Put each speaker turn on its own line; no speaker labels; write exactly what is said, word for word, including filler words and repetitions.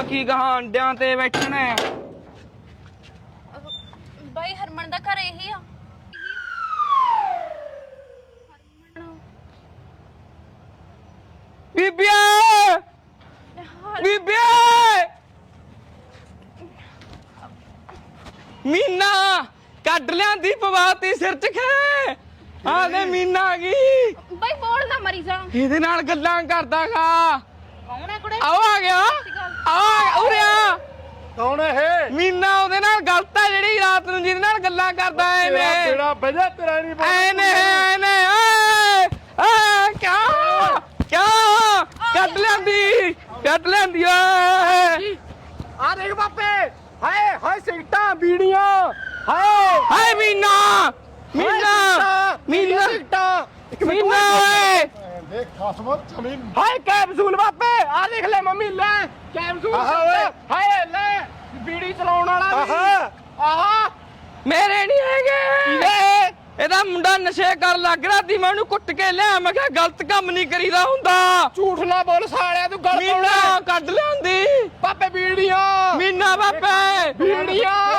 ਕੀ ਕਹਾਂ ਅੰਡਿਆਂ ਤੇ ਬੈਠਣਾ
ਬਾਈ ਹਰਮਨ ਦਾ ਘਰ ਇਹੀ ਆ।
ਬੀਬੀਆ ਬੀਬੀਆ ਮੀਨਾ ਕੱਢ ਲਿਆਂਦੀ ਪਵਾਤੀ ਸਿਰ ਚ ਖੇ ਆ ਦੇ ਮੀਨਾ ਆ ਗਈ।
ਬਾਈ ਬੋਲ ਨਾ ਮਰੀ ਜਾ।
ਇਹਦੇ ਨਾਲ ਗੱਲਾਂ ਕਰਦਾਗਾ।
ਕੌਣ ਹੈ ਕੁੜੇ?
ਆਓ ਆ ਗਿਆ ਆ ਉਰੇ ਆ।
ਕੌਣ ਹੈ ਇਹ?
ਮੀਨਾ ਉਹਦੇ ਨਾਲ ਗਲਤ ਹੈ ਜਿਹੜੀ ਰਾਤ ਨੂੰ ਜਿਹਦੇ ਨਾਲ ਗੱਲਾਂ ਕਰਦਾ ਐ ਨੇ
ਤੇਰਾ ਵਜਾ ਤੇਰਾ ਨਹੀਂ
ਐ ਨੇ ਐ ਨੇ ਓਏ ਆ ਕਿਆ ਕਿਆ ਕੱਢ ਲੈਂਦੀ ਕੱਢ ਲੈਂਦੀ ਓਏ
ਆ ਦੇਖ ਬਾਪੇ ਹਾਏ ਹਾਏ ਸਿਗਟਾਂ ਬੀੜੀਆਂ ਹਾਏ
ਹਾਏ ਮੀਨਾ ਮੀਨਾ ਮੀਨਾ
ਸਿਗਟਾਂ
ਮੀਨਾ ਓਏ
ਦੇਖ ਖਸਮ ਜ਼ਮੀਨ ਹਾਏ ਕੈਪਸੂਲ ਬਾਪੇ ਆ ਦੇਖ ਲੈ ਮੰਮੀ ਲੈ ਕੈਪਸੂਲ ਹਾਏ ਲੈ ਬੀੜੀ ਚਲਾਉਣ ਵਾਲਾ ਆਹਾ ਆਹਾ
ਮੇਰੇ ਨਹੀਂ ਹੈਗੇ ਇਹਦਾ ਮੁੰਡਾ ਨਸ਼ੇ ਕਰ ਲੱਗ ਰਿਹਾ ਸੀ ਮੈਂ ਉਹਨੂੰ ਕੁੱਟ ਕੇ ਲਿਆ ਮੈਂ ਕਿਹਾ ਗਲਤ ਕੰਮ ਨਹੀਂ ਕਰੀਦਾ ਹੁੰਦਾ।
ਝੂਠ ਨਾ ਬੋਲ ਸਾਲਿਆ ਤੂੰ ਗਲ
ਮੀਨਾ ਕੱਢ ਲਿਆਂਦੀ
ਬਾਪੇ ਬੀੜੀਆਂ
ਮੀਨਾ ਬਾਪੇ
ਬੀੜੀਆਂ